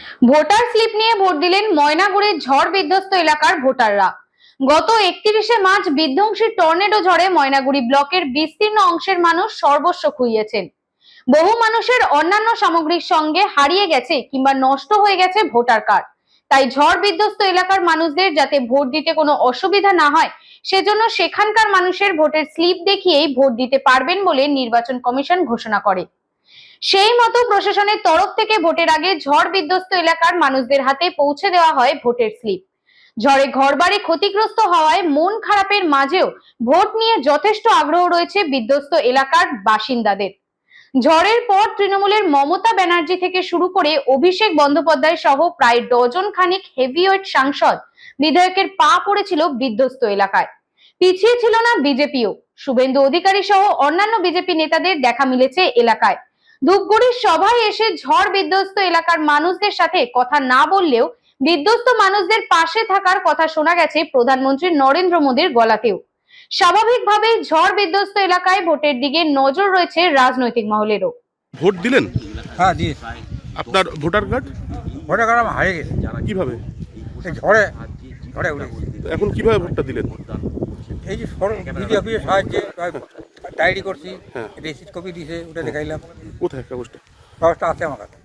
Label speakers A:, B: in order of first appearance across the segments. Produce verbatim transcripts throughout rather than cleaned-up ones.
A: Voter slip নিয়ে vote দিলেন ময়নাগুড়ির ঝড় বিধ্বস্ত এলাকার ভোটাররা। গত একত্রিশে মার্চ বিধ্বংসী টর্নেডো ঝড়ে ময়নাগুড়ি ব্লকের বিস্তীর্ণ অংশের মানুষ সর্বস্ব খুইয়েছেন। বহু মানুষের অন্যান্য সামগ্রীর সঙ্গে হারিয়ে গেছে কিংবা নষ্ট হয়ে গেছে ভোটার কার্ড। তাই ঝড় বিধ্বস্ত এলাকার মানুষদের যাতে ভোট দিতে কোনো অসুবিধা না হয় সেজন্য সেখানকার মানুষের ভোটের স্লিপ দেখিয়েই ভোট দিতে পারবেন বলে নির্বাচন কমিশন ঘোষণা করে। সেই মতো প্রশাসনের তরফ থেকে ভোটের আগে ঝড় বিধ্বস্ত এলাকার মানুষদের হাতে পৌঁছে দেওয়া হয় ভোটের স্লিপ। ঝড়ে ঘরবাড়ি ক্ষতিগ্রস্ত হওয়ায় মন খারাপের মাঝেও ভোট নিয়ে যথেষ্ট আগ্রহ রয়েছে বিধ্বস্ত এলাকার বাসিন্দাদের। ঝড়ের পর তৃণমূলের মমতা ব্যানার্জি থেকে শুরু করে অভিষেক বন্দ্যোপাধ্যায় সহ প্রায় ডজন খানিক হেভিওয়েট সাংসদ বিধায়কের পা পড়েছিল বিধ্বস্ত এলাকায়। পিছিয়ে ছিল না বিজেপিও। শুভেন্দু অধিকারী সহ অন্যান্য বিজেপি নেতাদের দেখা মিলেছে এলাকায়। ধূপগুড়ির সভায় এসে ঝড় বিধ্বস্ত এলাকার মানুষদের সাথে কথা না বললেও বিধ্বস্ত মানুষদের পাশে থাকার কথা শোনা গেছে প্রধানমন্ত্রী নরেন্দ্র মোদীর গলাতেও। স্বাভাবিকভাবেই ঝড় বিধ্বস্ত এলাকায় ভোটের দিকে নজর রয়েছে রাজনৈতিক মহলেরও।
B: ভোট দিলেন?
C: হ্যাঁ দিয়ে।
B: আপনার ভোটার কার্ড?
C: ভোটার কার্ড আমার হারিয়ে গেছে।
B: কিভাবে?
C: এই ঝড়ে ঝড়ে উড়ে গেছে।
B: এখন কিভাবে ভোটটা দিলেন?
C: এই যে বিডি অফিসের সাহায্যে ডায়েরি করছি,
B: হ্যাঁ।
C: রিসিট কপি দিয়েছে, ওটা দেখাইলাম।
B: কোথায় কাগজটা?
C: কাগজটা আছে আমার কাছে।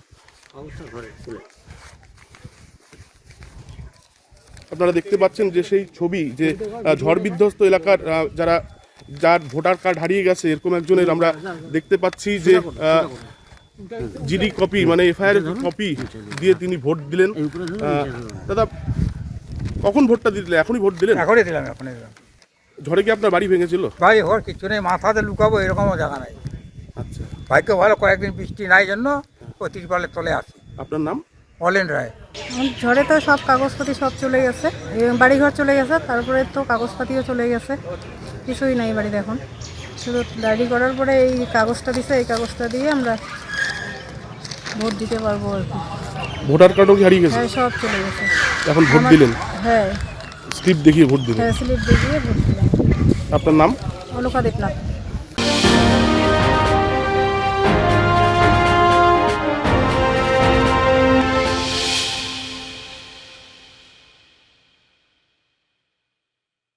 B: আপনারা দেখতে পাচ্ছেন যে সেই ছবি যে আহ, ঝড় বিধ্বস্ত এলাকার আহ, যারা যার ভোটার কার্ড হারিয়ে গেছে এরকম একজনের আমরা দেখতে পাচ্ছি যে জিডি কপি মানে এফআইআর কপি দিয়ে তিনি ভোট দিলেন। আহ, দাদা কখন ভোটটা দিলেন? এখনই ভোট দিলেন?
C: এখনই দিলাম, এখনই দিলাম।
B: ঝড়ে কি আপনার বাড়ি ভেঙেছিল?
C: ভাই ওর কিছু নেই, মাথাতে লুকাবো এরকমও জায়গা নাই।
B: আচ্ছা,
C: ভাগ্য ভালো কয়েকদিন বৃষ্টি নাই জন্য ও তিরপালের তলে আসি।
B: আপনার নাম?
C: অলেন রায়।
D: ঝড়ে তো সব কাগজপাতি সব চলে গেছে, বাড়িঘর চলে গেছে, তারপরে তো কাগজপাতিও চলে গেছে, কিছুই নাই বাড়িতে এখন। শুধু ডায়েরি করার পরে এই কাগজটা দিছে, এই কাগজটা দিয়ে আমরা ভোট দিতে পারবো আর কি।
B: ভোটার কার্ডও কি হারিয়ে গেছে?
D: হ্যাঁ, সব চলে গেছে।
B: এখন ভোট
D: আমার-
B: দিলেন?
D: হ্যাঁ,
B: স্লিপ দেখিয়ে ভোট দিলেন?
D: হ্যাঁ, স্লিপ দিয়ে ভোট দিলাম।
B: আপনার নাম?
D: অলকা দেবনাথ।